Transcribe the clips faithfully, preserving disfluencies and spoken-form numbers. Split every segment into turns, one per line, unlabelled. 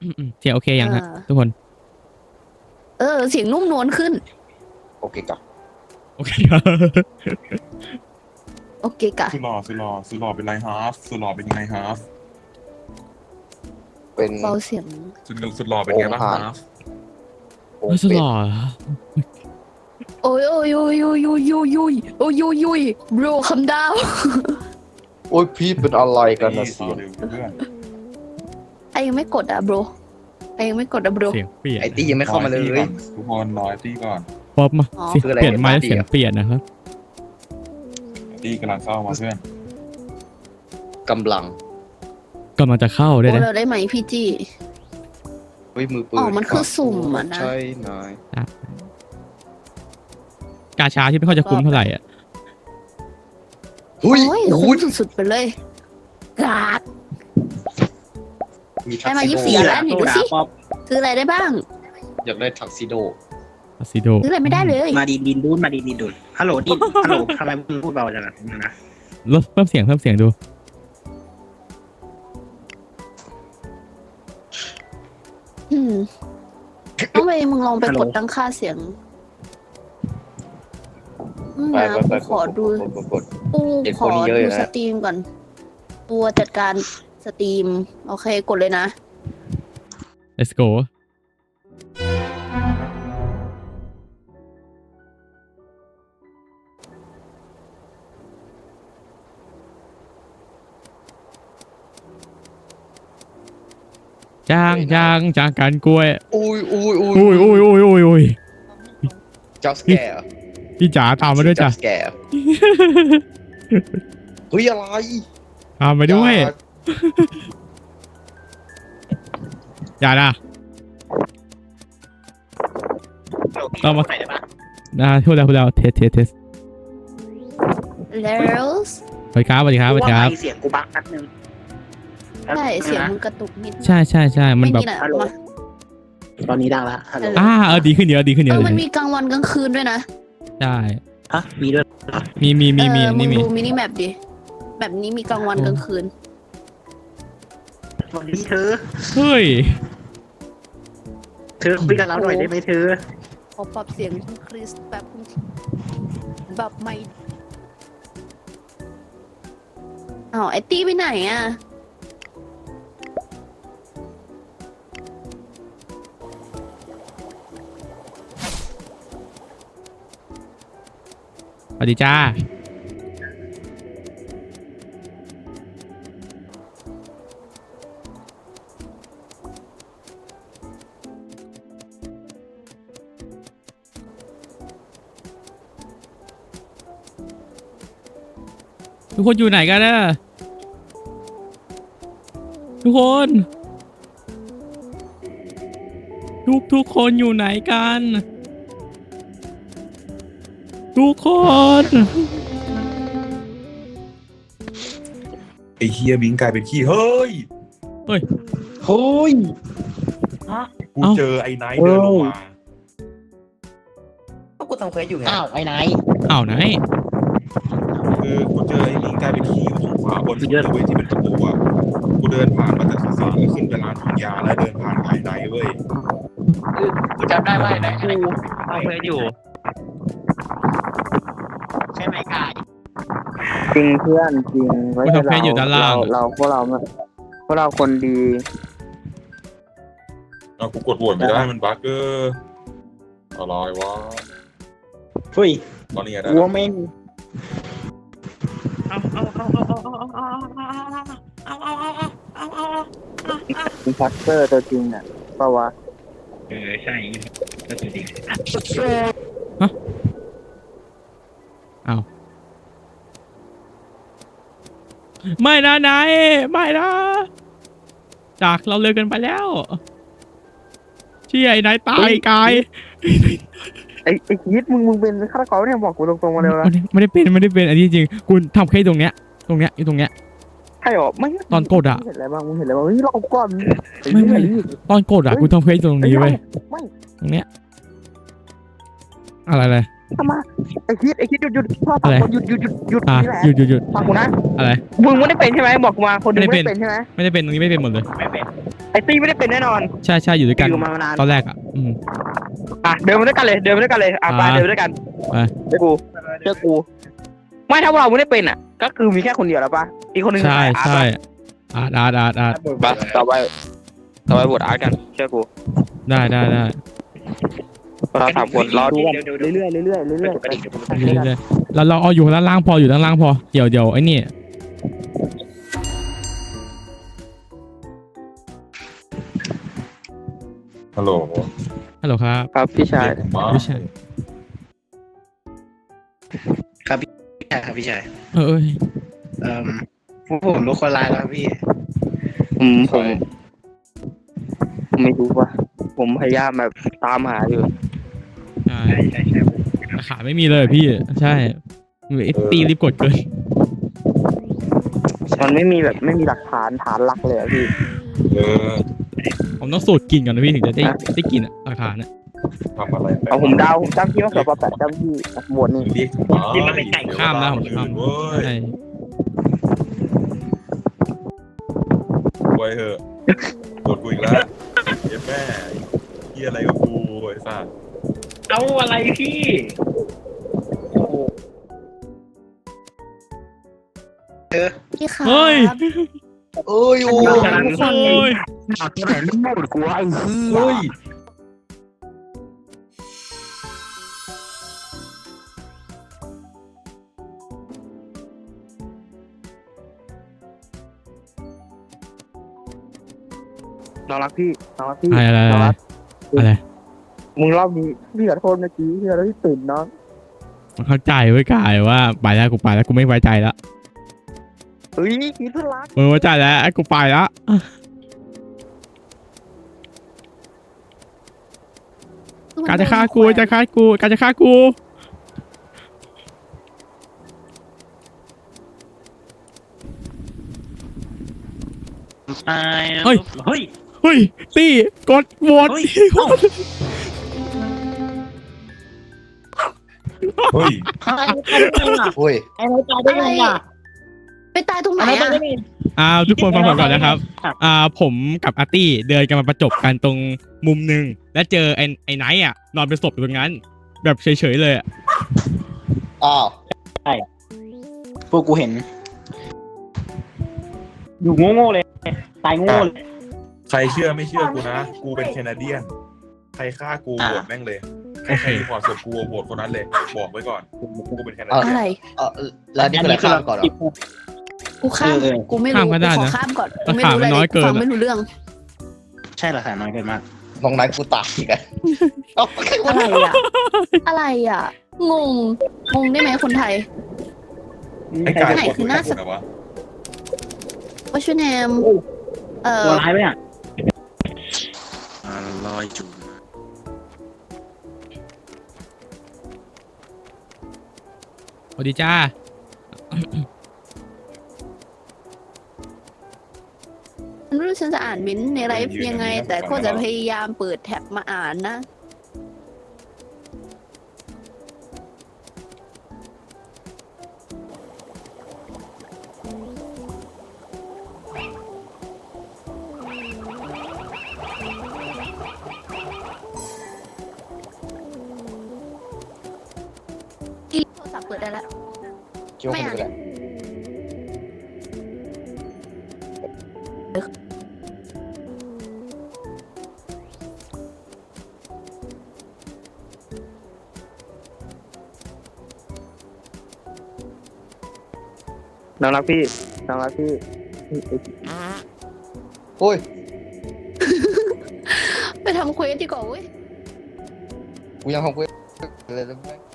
เสียงโอเคยังฮะทุกคน
เออเสียงนุ่มนวลขึ้น
โอเคกับ
โอเคครับ
โอเคกะ
สุดหล่อสุดหล่อสุดหล่อเป็นไรฮาร์ฟสุดหล่อเป็นไงฮาร์ฟ
เป็น
เบาเสียง
สุดสุดหล่อเป็นไงบ้างฮาร์ฟ
ไม่สุดหล่อ
โอ้ยโอ้ยโอ้ยโอ้ยโอ้ยโอ้ยโอ้ยโอ้ยโอ้ยโอ้ย bro คำดาว
โอ้ยพี่เป็นอะไรกันนะเสียง
ไอยังไม่กดอ่ะ bro ไอยังไม่กดอ่ะ bro
เสียงเปลี่ยน
ไอตี้ยังไม่เข้ามาเลย
ทุกคนรอไอตี้ก่อน
ป๊อปมาเปลี่ยนไม้เสียงเปลี่ยนนะครับ
ไอตี้กำลังเข้ามาเพื่อน
กำลัง
กำลังจะเข้าได้
โอ้
นะ
เราได้ไหมพี่จี
เฮ้ยมือปืน
อ๋อมันคือสุ่มอ่ะนะ
ใช่นาย
กาชาที่ไม่ค่อยจะคุ้มเท่าไหร่อ่ะ
โอ้ยคุ้มสุดๆไปเลยกาดได้มายี่สิบสี่แล้วนี่ดูสิซื้ออะไรได้บ้าง
อยากได้ทักซิโด
ทักซิโด
ซื้ออะไรไม่ได้เลย
มาดีดินดูนมาดีดินดูนฮัลโหลดินฮัลโหลทำไมมึงพูดเบาจังนะ
ลดเพิ่มเสียงเพิ่มเสียงดู
อืมต้องไปมึงลองไปกดตั้งค่าเสียงนะกูขอดูกูขอดูสตรีมก่อนตัวจัดการสตรีมโอเคกดเลยนะ
let's go จ้างจ้างจ้างการกล้วย
อุ้ยอุ้ยอุ้ย
อุ้ยอุ้ยอุ้ยอุ้ยอุ้ย
จับสแกร์
พี่จ๋าตามมาด้วยจ้ะ
จับสแกร์เฮ้ยอะไร
ตามมาด้วยอย่านะ
เรามาไหนได้ปะ
นะพูดแล้วพูดแล้วเทสเทสเทส
แล้ว
สวัสดีครับสวัสดีครับสวัสดีครับ
เสียงกูบักนัดนึง
ใช่เสียงมึงกระตุกนิด
ใช่ใช่ใช่มันแบบ
ตอนนี้ดังละฮัลโหล
อ่าเออดีขึ้นเยอะดีขึ้นเยอะ
มันมีกลางวันกลางคืนด้วยนะ
ใช่
ฮะมีด้วย
มีมีมีมี
นี่
มี
ดูมินิแมปดิแบบนี้มีกลางวันกลางคืน
วันนี้เธอ
เฮ้ย
เธอคุยกับเราหน่อยได้ไหมเธอ
ขอปรับเสียงคุณคริสแบบแบบไม่อ้าวไอตี้ไปไหนอ่ะ
สวัสดีจ้าทุกคนอยู่ไหนกันนะทุกคนทุกทุกคนอยู่ไหนกันทุกคน
ไอเฮียบิงกลายเป็นขี้เฮ้ย
เฮ้ย
เฮ้ย
กูเจอไอ้ไนท์เดินลงมา
ก็กูทำเควสอยู่ไงอ้าวไอ้ไนท์
อ้าวไนท์
คือกูเจอไอ้บิงกลายเป็นขี้อยู่ตรงขวาบนสุดเลยเว้ยที่เป็นประตูอ่ะกูเดินผ่านมาจากสุสานแล้วขึ้นไปร้านถุงยาแล้วเดินผ่านไอ้ไนท์เว้ย
กูจำได้ว่าไอ้ไนท์กูทำเควสอยู่ใช่ไหมกาย
จริงเพื่อนจริงไว้
เราเรา
เราพวกเราพวกเราคนดี
เอากูกดโหวตไม่ได้มันบั๊กเกอร์อะไรวะ
เฮ้ย
ตอนนี้ได้
วัวเม่ง
เอาเอาเอาเอาเอาเอาเอาเอาเอาเอาเอา
เป็นพักเกอร์ตัวจริงอ่ะเปล่าวะ
เออใช่ก็ตัวจริง
ฮะเอาไม่นะนายไม่นะจากเราเลยกันไปแล้วเชี่ยไอ้นายตายกาย
ไอ้ไอ้คิดมึงมึงเป็นฆาตกรเนี่ยบอกกูตรงๆมาเลยนะ
ไม่ได้เป็นไม่ได้เป็นอันนี้จริงคุณทำแค่ตรงเนี้ยตรงเนี้ยอยู่ตรงเนี้ย
ใช่หรอไม่
ตอนกดอ่ะ
เห็นอะไรบ้างมึงเห็นอะไรบ้างเฮ้ยเราก่อน
ไม่ไม่ตอนกดอ่ะกูทำแค่ตรงนี้เว้ยตรงเนี้ยอะไรเลย
ทำมาไอ้คิดไอ้คิดหยุดหยุดพ่อฟังคนหยุดหยุดหยุดหยุด
อะไร
นี่แหละ
หยุดหยุดหยุด
ฟังกูนะ
อะไร
มึงไม่ได้เป็นใช่ไหมบอกกูมาคนหนึง
ไม่
ไม่
ได้
ได้
เป็
เป็น นใช่ไหม
ไม่ได้เป็นตรงนี้ไม่เป็นหมดเลย
ไอ้ตี้ไม่ได้เป็นแน่นอน
ใช่ใช่อยู่ด้วยกัน
อยู่มานาน
ตอนแรกอ่ะอืม
อ่ะเดินมาด้วยกันเลยเดินมาด้วยกันเลยอ่ะไป
อ่า
เดินมาด้วยกัน
ไป
เจอกูเจอกูไม่ถ้าเราไม่ได้เป็นอ่ะ ก็คือมีแค่คนเดียวแล้วปะอีกคนหนึงคือ
ใช่
ใครอาร์ต
ใช่
ปะ
อาร์ตอาร์ตอาร์ตอาร์ต
ไปต่อไปต่อไปบทอาร์ตกันเชื่อกู
ได้ได้ได้
เราสามคนรอดูกันเรื่อยๆเรื่อยๆเรื่อยๆไป
เรื่อยๆเราเราเอาอยู่ด้านล่างพออยู่ด้านล่างพอเดี๋ยวเดี๋ยวไอ้นี่
ฮัลโหล
ฮัลโหลครับ
ครับพี่ชาย
ไม่ใช่
ครับพี่ชายครับพี่ชาย
เออเอ้ย
เอ่อพวกผมรู้คนร้ายแล้วครับพี่
อืมผมผมไม่รู้ว่าผมพยายามแบบตามหาอยู่
ใช่
ใช่ใช่ใช่ผม
ขาไม่มีเลยพี่ใช่ไอ้ตีรีบกดเกิน
มันไม่มีแบบไม่มีหลักฐานฐานหลักเลยอะพี่
เออ
ผมต้องสูตรกินก่อนนะพี่ถึงจะได้ได้กินอ่ะราคาเนี่ย
ทำอะไร
เอาผมเดาวผมจำที่ว่าเสือปลาแปดจำที่หมวดนี่
เรียก
ที่มันเป็นไก่
ข้ามนะผมข้าม
เว้ย
ใช่
ไว้เหอะกดกูอีกแล้วเย็บแม่เฮียอะไรกับกูไอ้สัส
เอาอะไรพี่เออ
พี่ขา
เฮ้ย
เอ้ยโอ้
โอ้
ย
ทุกคน
โอ้ย
เอาที่ไหนไม่หมดกูไอ้เหี้ย
เฮ้ย
น้องรักพี่น้องรักพี่
อะไรอะไร
น้องรัก
อะไร
มึงรอบนี้พี่ขอโทษเมื่อกี้ที่เราที่ตื่นน้อง
มันเข้าใจไว้กายว่าไปแล้วกูไปแล้วกูไม่ไว้ใจแล้ว
เฮ้ยคิดเพื่อนรัก
มึงไว้ใจแล้วกูไปแล้วการจะฆ่ากูจะฆ่ากูการจะฆ่ากู
ตายเฮ้ย
เฮ้ยตีกดโหวต
เฮ้ยเอ้า
เฮ้ย
โอ้ย
อะไรไปตายตรงไหนอ่ะ
อ่าทุกคนฟังผมก่อนนะครับอ่าผมกับอาร์ตี้เดินกันมาประจบกันตรงมุมหนึ่งแล้วเจอไอ้ไอ้ไนท์อ่ะนอนเป็นศพอยู่ตรงนั้น แบบเฉยๆเลยอะ
อ้าว
พวกกูเห็น อยู่โง่ๆเลย ตายโง่เลย
ใครเชื่อไม่เชื่อกูนะ กูเป็นแคนาเดียน ใครฆ่ากูโหวตแม่งเลยใครใครมีความสุขกูโหวตคนนั้นเลย บอกไว้ก่อน กูกูเป็นแคนาเดียน
อะไร
เออแล้วนี่คืออะไรข้ามก่อนเหรอ
กูข้าม
เออ
กูไม่รู้กูขอข้ามก่อนกูไม่รู้อะไรกูฟังไม่รู้เรื่อง
ใช่หลักฐานน้อยเกินมาก
ตรงนั้นกูตายอีกอะเอ้าใครวะ
อะไรอ่ะ อะไรอ่ะ งง งงได้ไหมคนไทย
ไอ้กาย
ไหน
กด
คือหน้า
กูไหนวะ
ว่าชื่อแนมเอ่อ
ตัวร้ายไหมอ่ะลอยจุ่ม
สวัสดีจ้า
ไม่รู้ฉันจะอ่านมิ้นท์ในไลฟ์ยังไง แต่ก็จะพยายามเปิดแท็บมาอ่านนะ อีโทรศัพท์เปิดได้แล้ว
คิดว่าคุณเป็นอะไร
น้องรักพี่น้องรักพี่
โอ้ย
ไปทำเควสดีกว่าเว้ย
กูยังทำกูเลยแล้วแม่ง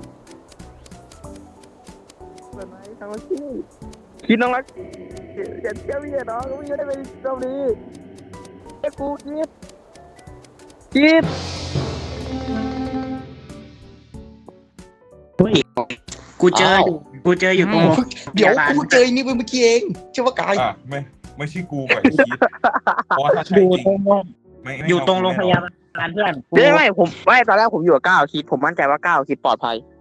น้องรักพี่คิดน้องรักอย่าเชื่อพี่น้องกูไม่ได้เป็นรอบนี้ไอ้กูคิดคิด
กูเจออยู่กูเจออยู่ตรง
เดี๋ยวกูเจอไอ้นี่ไปเมื่อกี้เองใช่ว่ากาย
อ่ะไม่ไม่ใช่กูกับไอ้คิดเพราะว่าถ้าใช่
อยู่
จริง
ตรง
ไม่ไม่
อยู่ตรงโรงพยา
แน่นอน
บาลเพื่อน
ไม่ไม่ผมไม่ตอนแรกผมอยู่กับก้าวคิดผมมั่นใจว่าก้าวคิดปลอดภัย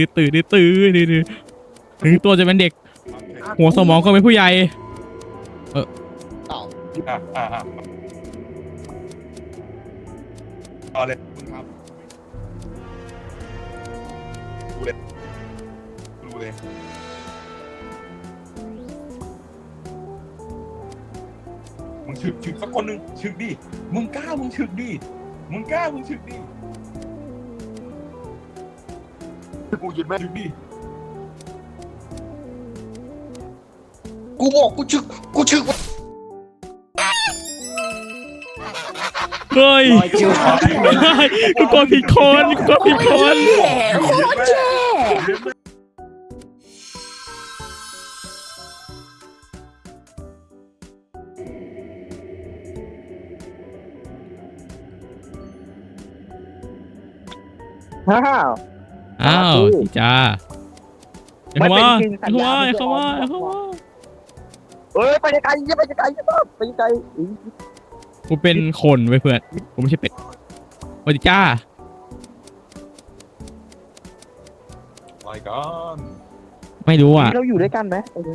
ดื้อตื่นดื้อตื่นดื้อถึงตัวจะเป็นเด็ก หัวสมองก็เป็นผู้ใหญ่
อ่ะอ่ะอ่ะเอาเลยมึงครับดูเลยดูเลยมึงฉึกฉึกสักคนหนึ่งฉึกดิมึงกล้ามึงฉึกดิมึงกล้ามึงฉึกดิกูยินแม่ฉึกดิ
กูบอกกูชึกกูชึก
เฮ้ยกูกดผิดคนกูกดผิดคน
แย่โคตรแย่
ฮ่า
อ้าวจีจ้าไอ้เข้ามา
ไม่เป็นจริงสั
ไอ้
ญ
เข้า
ญา
มาไอ้
ไม่
เข้ามา
ได้
ไอ้เข้ามา
เอ้ยไปไกลๆไปไกลๆไปไกล
กูเป็นคนไว้เพื่อนกูไม่ใช่เป็ดสวัสดีจ้า
ไปก่อน
ไม่รู้อ่ะ
เราอยู่ด้วยกันไหม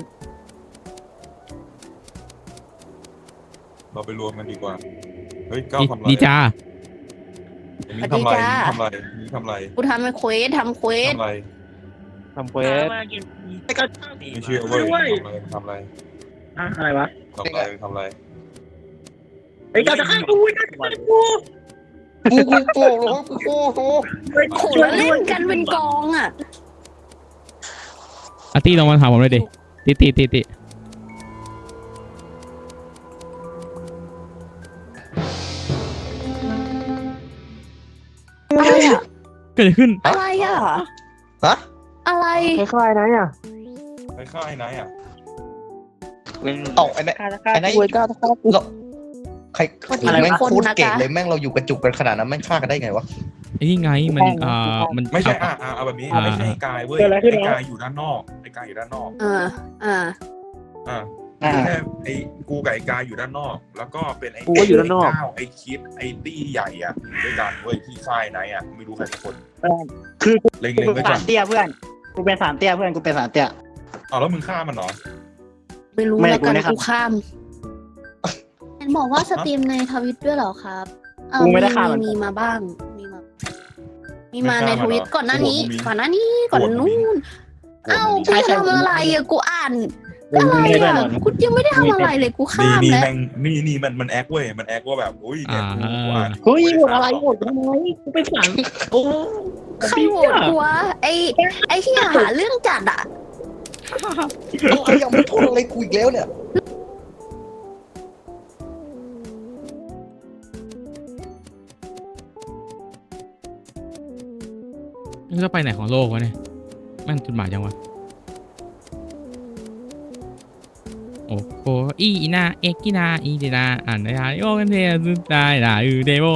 เราไปรวมกันดีกว่าเฮ้ยก้าวทำไร
ดีจ้า
มีทำไรมีทำไรมีทำไร
กูทำเควสทำเควส
ทำไร
ทำเควส
ไม่เชื่อเว้ยทำไรทำไร
อะไรวะ
ทำไรทำไร
ไอ้เจ้าจะฆ่ากูจะฆ่ากู
กูกูโกรธเลยกูโกรธ
โขแล้วเล่นกันเป็นกองอ่ะ
อาร์ตี้ลองมาถามผมเลยดิติติติติ
อะไรอ่ะ
เกิดอะไรขึ้น
อะไรอ่ะ
ฮะ
อะไร
คล้ายๆนะเนี่ย
ไปฆ่าไอ้ไหนอ่ะ
เอ้าไอ้เนี่ย
คล้ายๆไอ้นายก้าวก้าว
เราใครแม่งโคตรเก่งเลยแม่งเราอยู่กระจุกกันขนาดนั้นแม่งฆ่ากันได้ไงวะ
ไอ้นี่ไงมันอ่ามัน
ไม่ใช่
ขับ
อ่าอ่าเอาแบบนี้
อ่า
ไม่ใช่ไอ้กายเว้ยไอ้กายอยู่ด้านนอกไอ้กายอยู่ด้านนอก
อ่าอ่า
อ่าไม่ใช่ไอ้กูกับไอ้กายอยู่ด้านนอก แล้วก็เป็นไอ้
กูก็อยู่ด้านนอก
ไก้าวไอ้คิดไอ้ตี้ใหญ่อ่ะอยู่ด้วยกันเว้ยที่ค่ายไหนอ่ะไม่รู้ใครสักคน
คือกู
เล็ง
กู
เล็ง
เป็
ไว้
น
ก่
สา
อน
รเตี้ยเพื่อนกูเป็นสารเตี้ยเพื่อนกูเป็นสารเตี้ย
เอาแล้วมึงฆ่ามันเหรอ
ไม่รู้
ไม่
แล้วกัน
กูไม่ได้
กูข้ามเห็นบอกว่าสตรีมในทวิตด้วยเหรอครับเออ
กูไม่ได้ข้าม
มีมีมาบ้าง มีมา มีมาในทวิตก่อนหน้านี้ ก่อนหน้านี้ก่อนนู้นเอ้ากูทำอะไรอ่ะกูอ่าน
กู
อะไร
ไม่ได้
อ่ะ
หรอก
กูยังไม่ได้ทำอะไรเลยกูข้า
นี่
ม
นี่
แล้ว
แม่งนี่นี่มันมันแอคเว้ยมันแอคว่าแบบอุ้ยเนี่ยกูกูอ่าน
เฮ้ยหมดอะไรหมดทำไมกูเป็นสารโอ้
ใครโหวตกูวะไอไอที่หาเรื่องจัดอ่ะ
เอาไอ้ยังไม่โทษอะไรกูอีกแล้วเนี่ย
มันจะไปไหนของโลกวะเนี่ยแม่งจุดหมายจังวะโอ้โหอีนาเอกินาอีเดนาอ่านได้โอ้กันเทสุดได้ด่าอือเดโบ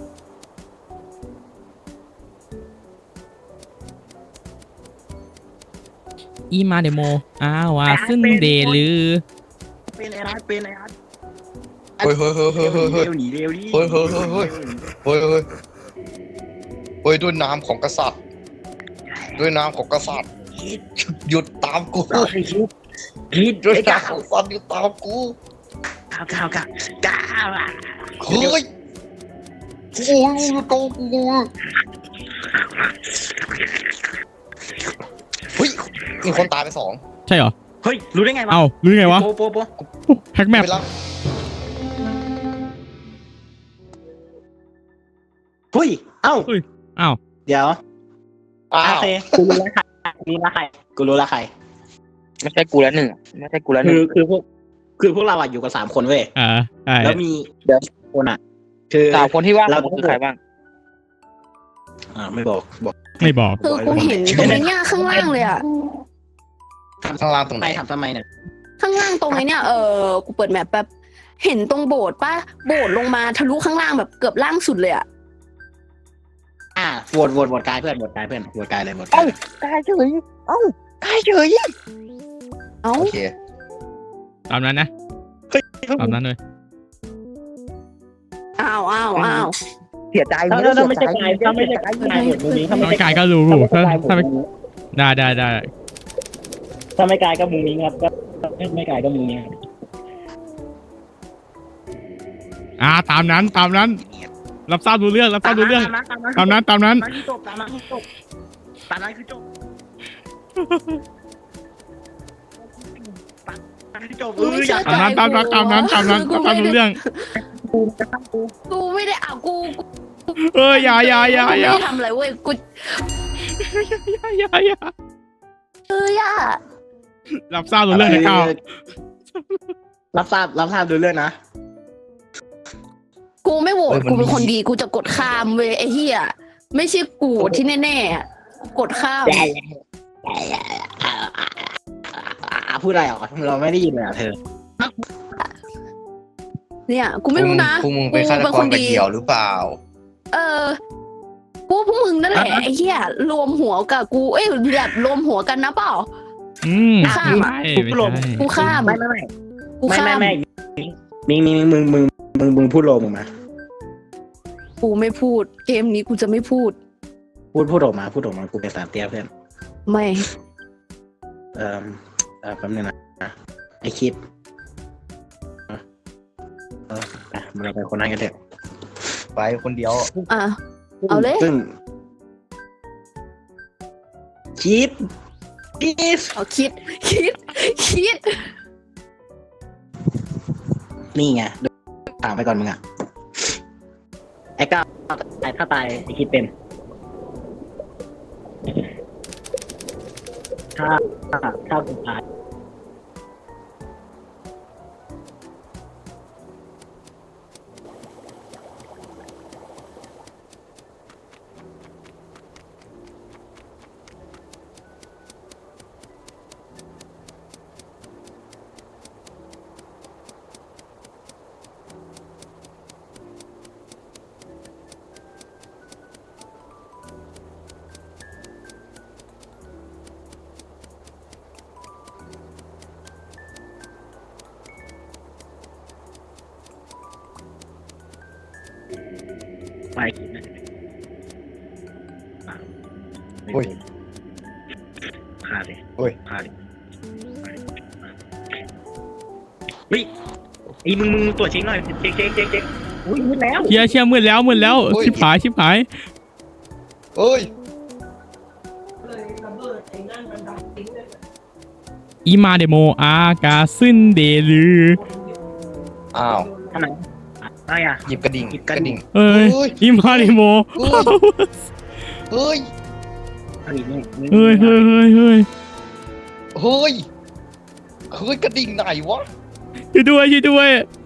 อีมาเดโมอ้าวาซึนเดลือ
เป็นไอ้รัดเป็นไอ้รัด
เฮ้ยเฮ้ยเฮ้ยเฮ้ยเฮ้ยเฮ้ย
เร็วหนีเร็วดิ
เฮ้ยเฮ้ยเฮ้ยเฮ้ย เฮ้ยเฮ้ยเฮ้ยด้วยน้ำของกษัตริย์ ด้วยน้ำของกษัตริย์
คิด
หยุดตามกู
คิดคิด
หยุด
ไอ้
ตา
ก้าม ว
ซันหยุดตามกู
ก้าวก้าวก้าวก้าวอะ
เฮ้ยโอ้ยหยุดตามกูเฮ้ยมีคนตายไปสอง
ใช่เหรอ
เฮ้ยรู้ได้ไงวะ
เอ้ารู้ได้ไงวะ
โปโปโป
แฮกแมป
ไปแล้ว
เฮ้ยเอ้า
อ้าว
เดี๋ยว
อ้า
โอ
ว
เคกูรู้แล้วใครกูรู้แล้วใครกูรู้แล้วใคร
ไม่ใช่กูแล้วหนึ่งไม่ใช่กูแล้วห
คื
นึ่ง
อคือพวกคือพวกเราอะอยู่กันสามคนเว้ย
อ่าใช่
แล้วมีเดี๋ยวคนอะคือ
สาวคนที่ว่า
เรา
ผมคือใครบ้าง
อ่าไม่บอกบอก
ไม่บอก
คือกูเห็นตรงไอ้เนี่ยข้างล่างเลยอ่ะ
ข้างล่างตรงไห
ไป
น
ทำทำไมเนี่ย
ข้างล่างตรงไอ้เนี่ยเออกูเปิดแมปแป๊บเห็นตรงโบสถ์ป่ะโบสถ์ลงมาทะลุข้างล่างแบบเกือบล่างสุดเลยอ่ะ
อ่าโหวตโหวตโหวตกายเพื่อนโหวตกายเพื่อนโหวตกายเลยโหวตกา
เอ้าย กายเฉยเอ้ากายเฉย
เอ้า
โอเค
ตามนั้นนะตามนั้นเลย
อ้าวอ้าวอ้าว
เสียใจ
ถ้าถ้าไม่ใช่กายถ้าไม่ใช่กายกายโหวตมุมนี้ถ้า
น้
ไม่
อง
ใช่
กายก็รู้ถ้าถ้าไม่ได้ได้ได้
ถ้าไม่กายก็มุมนี้ครับก็ไม่กายก็มุมนี้ครับ
อ่าตามนั้นตามนั้น รับทราบรู้เรื่องรับทราบรู้เรื่อง ตามนั้นตามนั้น
ตามนั้นคือจบตามนั้นคือจบตามนั้นคือจบตามนั้นคือจบเอ
กู
อ
ไม่
อ
เชื่
ย่า
อใจ
ตามนั้นตามนั้นตามนั้นตามนั้น
กู
ตาม
ไม่
รู้
ได้
เรื่อง
กูไม่ได้อ่ะกู
เอออย่าอย่าอย่าอย่า
ไม่ได้ทำอะไรเว้ยกู
อย่าอย่า
เอ้ยอ่ะ
รับทราบรู้เรื่องนะก้าว
รับทราบรับทราบดูเรื่องนะ
กูไม่โหวตกูเป็นคนดีกูจะกดข้ามเว้ยไอ้เหี้ยไม่ใช่กูที่แน่ๆอะกดข้าม
อ่าพูดอะไรออกเราไม่ได้ยินเลยอ่ะเธอ
เนี่ยกูไม่รู้นะ
พวกมึงเป็นฆาตกรไปเดี่ยวหรือเปล่า
เออพวกพวกมึงนั่นแหละไอ้เหี้ยรวมหัวกับกูเอ้ยแบบรวมหัวกันนะเปล่า
อืม
ข้า
ไม่
ม
ใช่
อะ
ไม่ใช่
กูข้าม
ไม่ไม่ไม่
กู
ไม่
ข้า
ไม่
ม
ไม่มิงมิงมึงมึงมึงมึงพูดโลมึงมา
กูไม่พูดเกมนี้กูจะไม่พูด
พูดพูดออกมาพูดออกมากูเป็นสามเตี้ยเพื่อน
ไม่
เอ่อเอ่อแป๊บนึงนะไอคิดเออเออไปเราไปคนนั้นกันเถอะ
ไปคนเดียว
อ่ะ เอาเลย
ซึ่งคิดคิด
เอาคิดคิดคิด
นี่ไงถามไปก่อนมึงอ่ะไอ้ก้าวตายถ้าตายไอ้คิดเป็นถ้าถ้าถ้ากูตายไปคิดนะ
โอ้ย
ฆ่าเลย
โอ้ย
ฆ่าเลยเฮ้ยไอ้มึงมึงตรวจเช็คหน่อยเช็คเช็คเช็คเช็คอุ้ยมืดแล้ว
เชียร์เชียร์มืดแล้วมืดแล้ว
โอ้ย
ชิบหายชิบหาย
เอ้ย
อีมาเดโมอากาซึนเดลือ
อ้าว
ทำไมอะไรอ่ะ
หยิบกระดิ่ง
หยิบ
ก
กระ
ระ
ดิ่
ดิ่
ง
ง
เอ้ย
เฮ้ย
อีมาเดโม
เฮ้ย เฮ้ย
อันนี้นี่
เฮ้ยเฮ้ยเฮ้ยเฮ้ย
เฮ้ย เฮ้ยกระดิ่งไหนวะ
ช่วยด้วยช่วยด้วย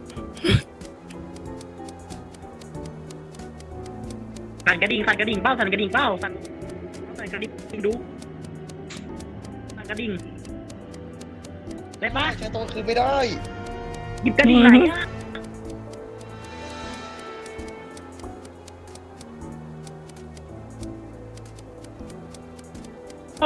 สั่นกระดิ่งสั่นกระดิ่งเป้าสั่นกระดิ่งเป้าสั่นสั่นกระดิ่งดูสั่นกระดิ่งได้ปะ
ใช้ตัวคืนไม่ได้
หยิบกระดิ่งไหนอ่ะโอ้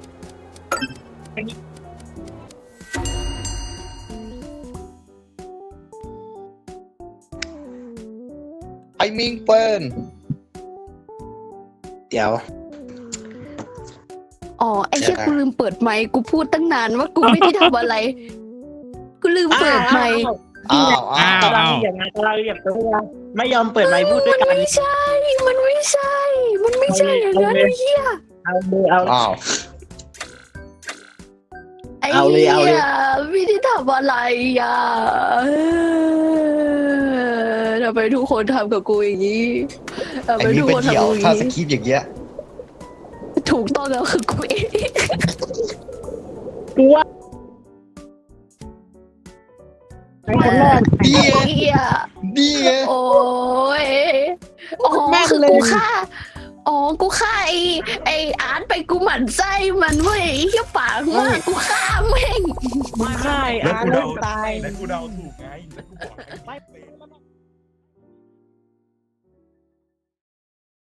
ไอ้มิงเป็น
เดี๋ยว
อ๋อไอ้เชี่ยกูลืมเปิดไมค์กูพูดตั้งนานว่ากูไม่ได้ทำอะไร กูลืมเปิดไมค์
อ้าวอ้าว
กำลังเหยียบไงกำลังเหยียบตัวไม่ยอมเปิดไมค์พูดด้วยกัน
มันไม่ใช่ มันไม่ใช่ มันไม่ใช่อย่างนั้นไอ้เหี้ย
เอาเลยเอา
อ้าว
ไอ้
เอาเลย
เหี้
เอาเลย
ยไม่ได้ทำอะไรอ่ะเออทำไมทุกคนทำกับกูอย่างนี้ทำ
ไอ้
ไม
นี่
ทุก
เป็
คน น
เดี่ยว
ทำกับกูอ
ถ้า
ย่าง
ส
นี้
คริปต์อย่างเงี้ย
ถูกต้องแล้วคือกูเอง
กูว่าไอ้คนแรก
ดี
ไอ้เหี้ย
ดีไง
โอ้ยอ๋อ
แม่ง
คือ
เลย
กูฆ่าอ๋อกูฆ่าไอ้ไอ้อาร์ตไปกูหมั่นไส้มันเว้ยไอ้เหี้ยปากมากกูฆ่าแม่ง
ไม่ใช่
แล้ว
อา
กู
เริ่
เดาม
ตาย
แล้วกูเดาถูกไงแล้วกูบอกแล้ว